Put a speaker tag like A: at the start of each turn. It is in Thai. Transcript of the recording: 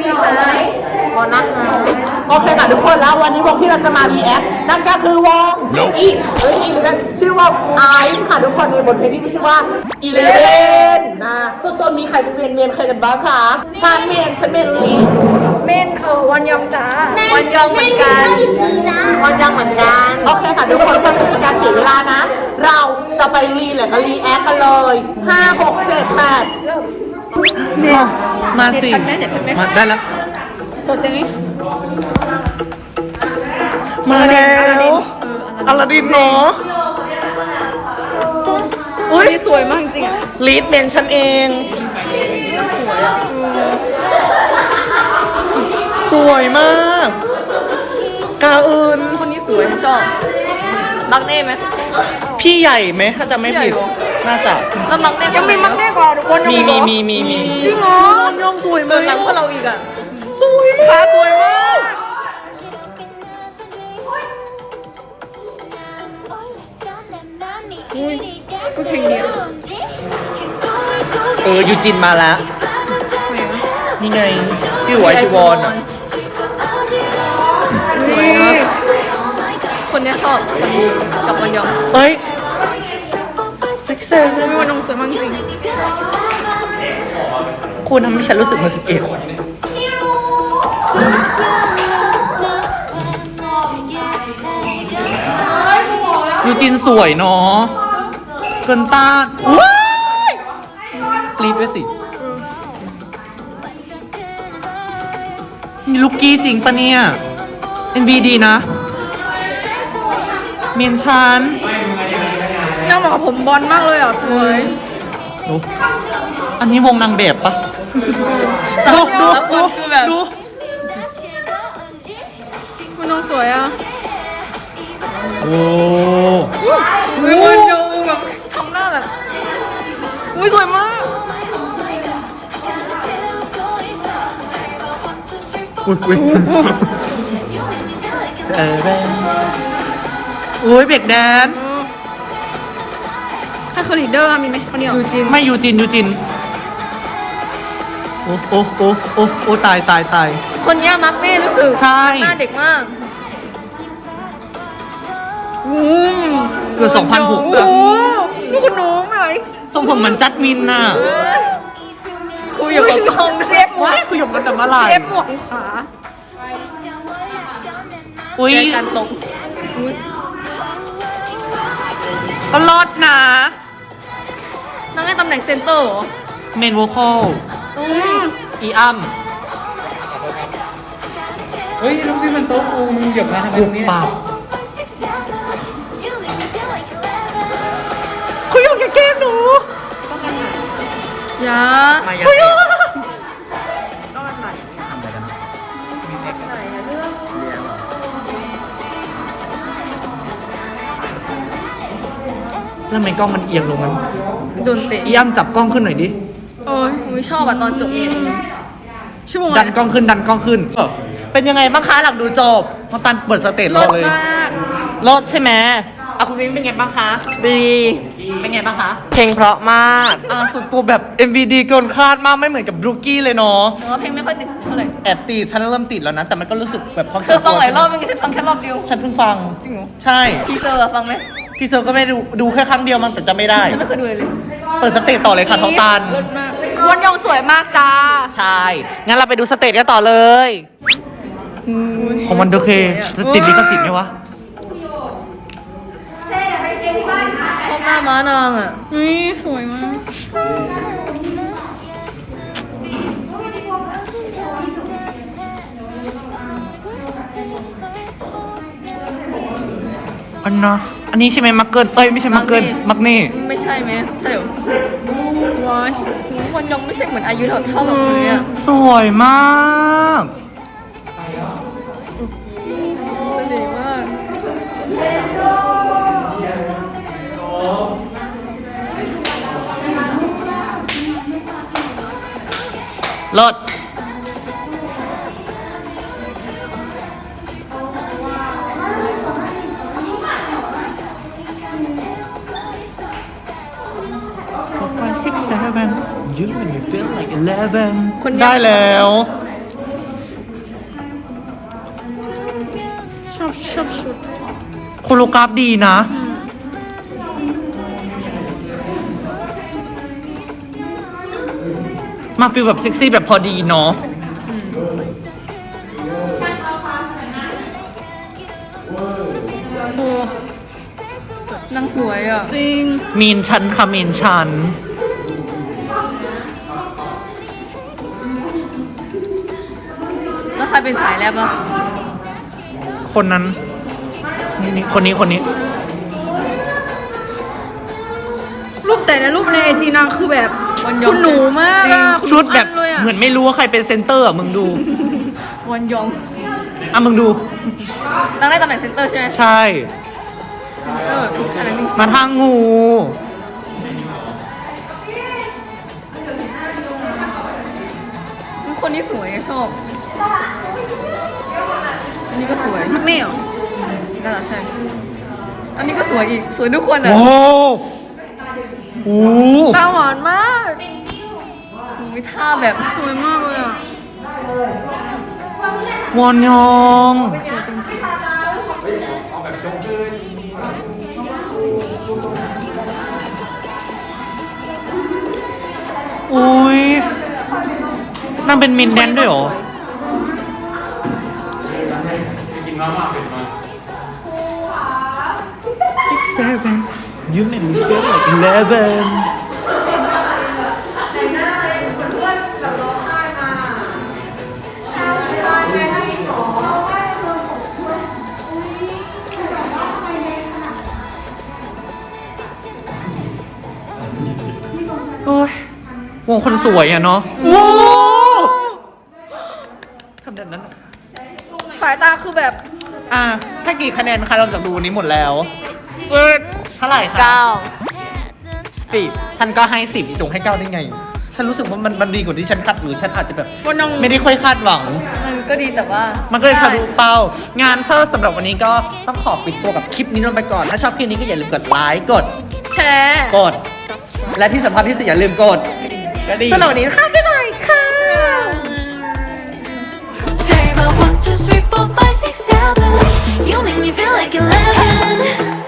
A: วงนะคะโอเคค่ะทุกคนแล้ววันนี้วงที่เราจะมารีแอคนั่นก็คือวงอีชื่อว่าไอซ์ค่ะทุกคนในบทเพลงที่มีชื่อว่า11นะซึ่งตัวมีใครเป็นเมนเคยกันบ้างคะฉันเมนลิส
B: เมนวันยองจ้าวันยองเหมือนกัน
A: วันยังเหมือนกันโอเคค่ะทุกคนเพื่อไม่เป็นการเสียเวลานะ เราจะไปรีแหละก็รีแอคกันเลย5 6 7 8มาสิมาได้แล้ว
B: ตัวเสียงนี้
A: มาแล้วอลาดินเนาะอุ้ย
B: สวยมากจริงอ่ะ
A: ลีดเมนฉันเองสวยมากกาอื่น
B: คนนี้สวยชอบมักเน่ไหม
A: พี่ใหญ่ไหมถ้าจะไม่ผิดน่าจะ
B: แล้วมักเน่ยังมีมักเน่กว่าวันยอง
A: มี
B: จริงเหรอ
A: วันยองสวยไหม
B: หลังพวกเราอีกอ่ะ
A: สวยมาก
B: สวยมาก
C: ก็เพลงนี้
A: ยูจินมาแล้วนี่ไงพี่หวายชิวอนอ่ะ
B: คนนี้ชอบคนนี้กับวันยอง
A: เฮ้ยเซ็กซี่
B: วันยองสวยมากจริง
A: คุณทำให้ฉันรู้สึกเหมือน11ยูจินสวยเนาะเกินต้านว้ายกรี๊ดด้วยสิมีลูกกี้จริงปะเนี่ย MV ดีนะเมียนชัน
B: น่าเหมาะกับผมบอลมากเลยอ่ะสวย
A: ดูอันนี้วงนางแบบปะดู
B: วันยองสวยอ่ะ
A: โอ้
B: วันยองแบบทำหน้าแบบอุ้ยสวยมาก
A: อุ้ยอุ้ยเบรกแดน
B: ถ้าคือลีดเดอร์มีไหมคนเดียว
A: ไม่ยูจินโอ้ตาย
B: คนนี้มักเน่รู้สึก
A: ใช่
B: หน้าเด็กมาก
A: เกิด 2006
B: โอ้
A: อะ
B: โหนี่คุณหนูไหม
A: ทรงผมเหมือนจัดมินน่ะ
B: คุยกับกองเซฟหมว
A: ว้าก ยคุยกับกันแต่เมื่อไหร่
B: เซฟหมวกขา
A: อุ้ย
B: เจอกันตรง
A: ก็รอดนะ
B: นั่งในตำแหน่งเซนเตอร์เหรอ
A: เมนโวคอล อีอัม
D: เฮ้ยลูกพี่มันโต๊ะกูมึงเหยียบมาทำไม
A: หุ
D: ตร
A: บ
D: งนี้
A: ปากคุยกับแก้มหนู
B: อย่า
D: มาอย่า
A: คุย
D: เตะ
A: แล้วทำไมกล้องมันเอียงลงนั้น
B: โดนเตะ
A: อีอัมจับกล้องขึ้นหน่อยดิ
B: โอ้ยไม่ชอบอ่ะตอนจบชั่วโมง
A: ดันกล้องขึ้นเป็นยังไงบ้างคะหลังดูจบน้องตันเปิดสเตจ
B: ร
A: รอ
B: ถ
A: เลย
B: มาก
A: รถใช่ไหมอ่ะคุณมิ้นเป็นไงบ้างคะ
B: ดี
A: เป็นไงบ้างคะ
E: เพลงเพราะมาก
A: ส่วนตัวแบบ MVD เกินคาดมากไม่เหมือนกับบรูกี้เลยเนาะ
B: แต่ว่าเพลงไม่ค่อยติดเท่าไหร่
A: แอบติดฉันเริ่มติดแล้วนะแต่มันก็รู้สึกแบบความ
B: คือฟังหลายรอบมันก็ฉันฟังแค่รอบเดียว
A: ฉันเพิ่งฟัง
B: จริงเหรอ
A: ใช่
B: ทีเซอร์อะฟังไหม
A: ที่เธอก็ไม่ดูแค่ครั้งเดียวมันแต่จะไม่ได้
B: ฉันไม่เคยดูเลย
A: เปิดสเตจต่อเลยค่ะท้องตัน
B: รถมากวันยองสวยมากจ้า
A: ใช่ งั้นเราไปดูสเตจกันต่อเลย ของมันโอเคจะติดลิขสิทธิ์ไหมวะ
B: ชอบหน้าม้านางอ่ะนี่สวยมาก
A: อันนี้ใช่ไหมมักเกิลไม่ใช่มักเกิลมักเน่
B: ไม่ใช่ไหมใช่เหรอว้ายวันยองไม่ใช่เหมือนอายุเท่าแบบนี้อ่ะ
A: สวยมาก
B: เสน่ห์มาก
A: รถ6 5 6 7 you and you feel like 11
B: คนเนี้ย
A: ได้แล้วโคโรกราฟดีนะ มาฟีลแบบเซ็กซี่แบบพอดีเนาะ
B: โอ้นางสวยอ่ะ จริง
A: มีนชันค่ะมีนชัน
B: แล้วใครเป็นสายแรปอ่ะ
A: คนนั้นนี่คนนี้
B: รูปแต่ในรูปในไอจีนางคือแบบคุณหนูมากอะคุณ
A: ชุดแบบ
B: อันเลยอะ
A: เหมือนไม่รู้ว่าใครเป็นเซนเตอร์อ่ะมึงดู
B: วันยอง
A: อ่ะมึงดู
B: นางได้ตำแหน่งเซนเตอร์ใช่ไหม
A: ใช่
B: ทุกอันนั้นจริง
A: มาทางงู
B: ๆคนนี้สวยอะชอบ อันนี้ก็สวยมักเน่เหรอน่าจะใช่ อันนี้ก็สวยอีก สวยทุกคนอะ
A: โอ้โห
B: ตาหวานมากมีท่าแบบสวยมากเลยอะ
A: วอนยองอุ้ยนางเป็นมินแดนด้วยเหรอ You make me feel like 11 โอ้ยวงคนสวยอะเนาะโว้ทำแบบนั้นอะ
B: สายตาคือแบบ
A: อ่ะถ้ากี่คะแนนคะเราจากดูวันนี้หมดแล้วเท่าไหร่คะ 10ฉันก็ให้10จงให้9ได้ไง ฉันรู้สึกว่ามันดีกว่าที่ฉันคาดหรือฉันอาจจะแบบ
B: วันน้อง
A: ไม่ได้ค่อยคาดหวัง
B: มันก็ดีแต่ว่า
A: มั
B: มัน
A: ก็เลยทะลุเป้างานเซอร์สำหรับวันนี้ก็ต้องขอปิดตัวกับคลิปนี้ลงไปก่อน ถ้าชอบคลิปนี้ก็อย่าลืมกดไลค์กด
B: แชร์
A: กด และที่สำคัญที่สุดอย่าลืมกดกระดิ่งสำหรับวันนี้ค่ะบ๊ายบายค่ะ
C: Tell you about 1, 2, 3, 4, 5, 6, 7. You make me feel like 11.